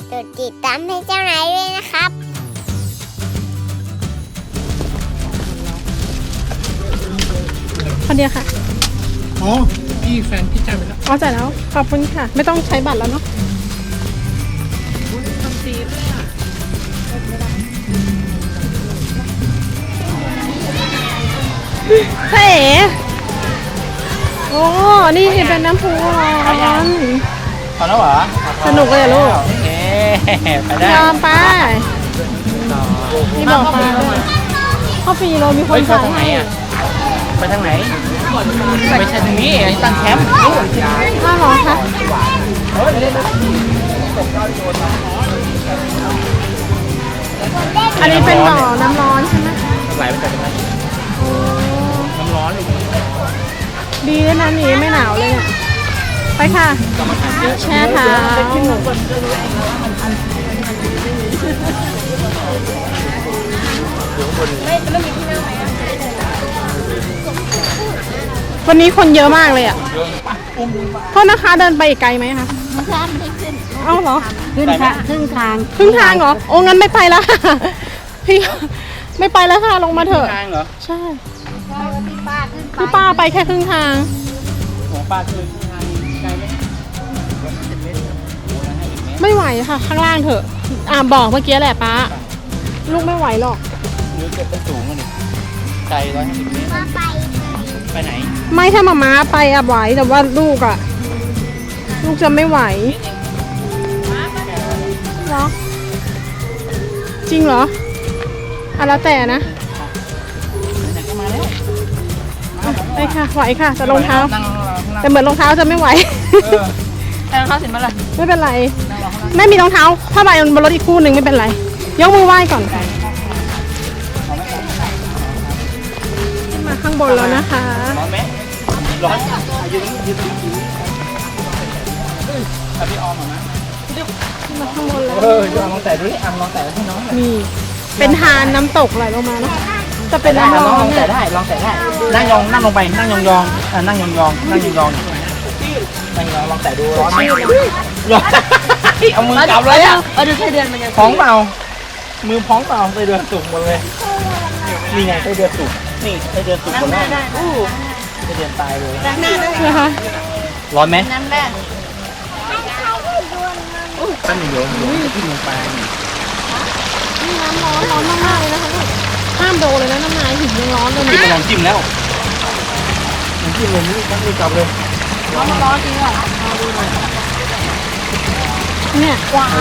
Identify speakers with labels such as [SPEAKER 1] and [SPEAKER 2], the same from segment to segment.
[SPEAKER 1] กดติดตามให้เจ้านายด้วยนะครับ
[SPEAKER 2] คนเดียวค่ะ
[SPEAKER 3] อ๋อพี่แฟนพี่จ่ายไปแล้ว
[SPEAKER 2] อ๋อจ่ายแล้วขอบคุณค่ะไม่ต้องใช้บัตรแล้วเนาะเฮ้โอ้นี่เป็นน้ำพุร้อน
[SPEAKER 3] พอแล้วเหรอ
[SPEAKER 2] สนุกเลยลูก
[SPEAKER 3] โอเคไปได้
[SPEAKER 2] ยอมไปนี่บอกไปเข้าฟรีเรามีคนจ่ายให้
[SPEAKER 3] ไปทางไหนไม่ใช่ทางนี้ตั้งแคมป์
[SPEAKER 2] อ้าวเหรอคะอันนี้เป็นบ่อน้ำร้อนใช่ไหม
[SPEAKER 3] ไหลไปจากตรงนั้นน้ำร้อนเลย
[SPEAKER 2] ดีนะน้ำนี้ไม่หนาวเลยเนี่ยไปค่ะแช่เท้าวันนี้คนเยอะมากเลยอ่ะโทษนะคะเดินไปอีกไกลไหมคะ
[SPEAKER 1] ไม่ได้ขึ้น
[SPEAKER 2] เอ้าเหรอ
[SPEAKER 1] ขึ้นค่ะครึ่งทาง
[SPEAKER 2] เหรอโอ้งั้นไม่ไปแล้วพี่ไม่ไปแล้วค่ะลงมาเถอะใช่พี่ป้าไปแค่ครึ่งทาง
[SPEAKER 3] ของป้าคือทางไกลไหม
[SPEAKER 2] ไม่ไหวค่ะข้างล่างเถอะบอกเมื่อกี้แหละป้าลูกไม่ไหวหรอก
[SPEAKER 3] หรือเกิดเป็นสูงอ่ะนี่ไกล150 เมตรไปไหน
[SPEAKER 2] ไม่ถ้ามาม้าไปไหวแต่ว่าลูกลูกจะไม่ไหวเหรอจริงเหรอแล้วแต่นะไปค่ะไหวค่ะแต่รองเท้าแต่เหมือนรองเท้าจะไม่ไหว
[SPEAKER 3] แต่รองเท้าเสร็จมาเลย
[SPEAKER 2] ไม่เป็นไรไม่มีรองเท้าผ้าใบบนรถอีกคู่หนึ่งไม่เป็นไรยกมือไหว้ก่อนค่ะขึ้นมาข้างบนแล้วนะคะ
[SPEAKER 3] ร้อนไหมร้อนยืนพี่ออมนะ
[SPEAKER 2] ขึ้นมาข้างบนแล้ว
[SPEAKER 3] ลองแต่ดิลองแต่ให้น้อง
[SPEAKER 2] นี่เป็นทานน้ำตกไหลลงมาเนาะจะเป็นน้ำร้อน
[SPEAKER 3] ลองแต่ได้นั่งลงไปนั่งยองนั่งยองลองแต่ดูร้อนไหมร้อนเอามือจับเลยอ่ะ
[SPEAKER 1] ดูไส้เดือนมันจะ
[SPEAKER 3] พ้องเปล่ามือพ้องเปล่าไส้เดือนสุกหมดเลยนี่ไงไส้เดือนสุกนี่ไส้เดือนสุกหมดเลยไส้เดือนตายเลย
[SPEAKER 2] นะคะ
[SPEAKER 3] ร้อนไหม
[SPEAKER 1] น้ำแรก
[SPEAKER 3] ตั้งโยนที่ลงไป
[SPEAKER 2] นี่น้ำร้อนมากๆเลยนะคะห้ามโดนเลยนะน้ำนายหินยังร้อนเลยนะ
[SPEAKER 3] ลองจิ้มแล้วลองจิ้มเลยนี่ตั้งมือกลับเลย
[SPEAKER 1] ร้อนจริงเหรอ
[SPEAKER 2] เนี่ยว้าว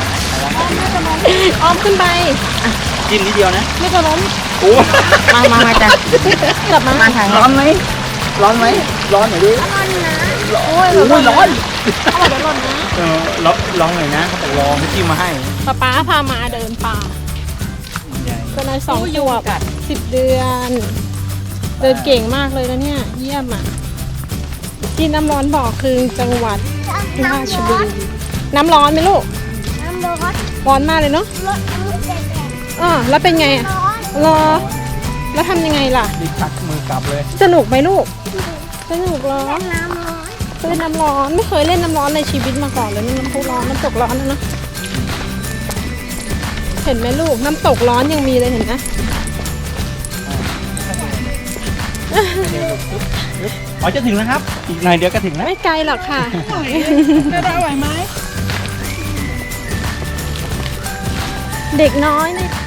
[SPEAKER 2] อ้อมขึ้นไป
[SPEAKER 3] จิ้มนิดเดียวนะ
[SPEAKER 2] ไม่จะล้ม
[SPEAKER 3] โอ้มาจ้ะ
[SPEAKER 2] กลับมา
[SPEAKER 3] ถ่ายร้อนไหมร้อนหน่อยดิ
[SPEAKER 2] ร้อนนะ
[SPEAKER 3] โอ้ยร้อน
[SPEAKER 2] เขาบอกเดี๋ยวร้อนนะ
[SPEAKER 3] ลองหน่อยนะเขาบอกลองให้จิ้มมาให้
[SPEAKER 2] ป๊าพามาเดินป่าเป็นนาย2 ขวบ10 เดือนเดินเก่งมากเลยนะเนี่ยเยี่ยมอ่ะที่น้ำร้อนบอกคือจังหวัดราชบุรีน้ำร้อนไหมลูก
[SPEAKER 1] น้ำ
[SPEAKER 2] ร้อนมากเลยเนาะแล้วเป็นไงรอแล้วทำยังไงล่ะ
[SPEAKER 3] ดิชักมือกลับเลย
[SPEAKER 2] สนุกไหมลูกสนุกเหรอ
[SPEAKER 1] น้ำร้อน
[SPEAKER 2] เล่นน้ำร้อนไม่เคยเล่นน้ำร้อนในชีวิตมาก่อนเลยนี่น้ำพุร้อนน้ำตกร้อนนะเห็นไหมลูกน้ำตกร้อนยังมีเลยเห็นไหม
[SPEAKER 3] จะถึงแล้วครับอีกหน่อยเดี๋ยวก็ถึงแล้ว
[SPEAKER 2] ไม่ไกลหรอกค่ะได้ไหวไหมเด็กน้อยเนี่ย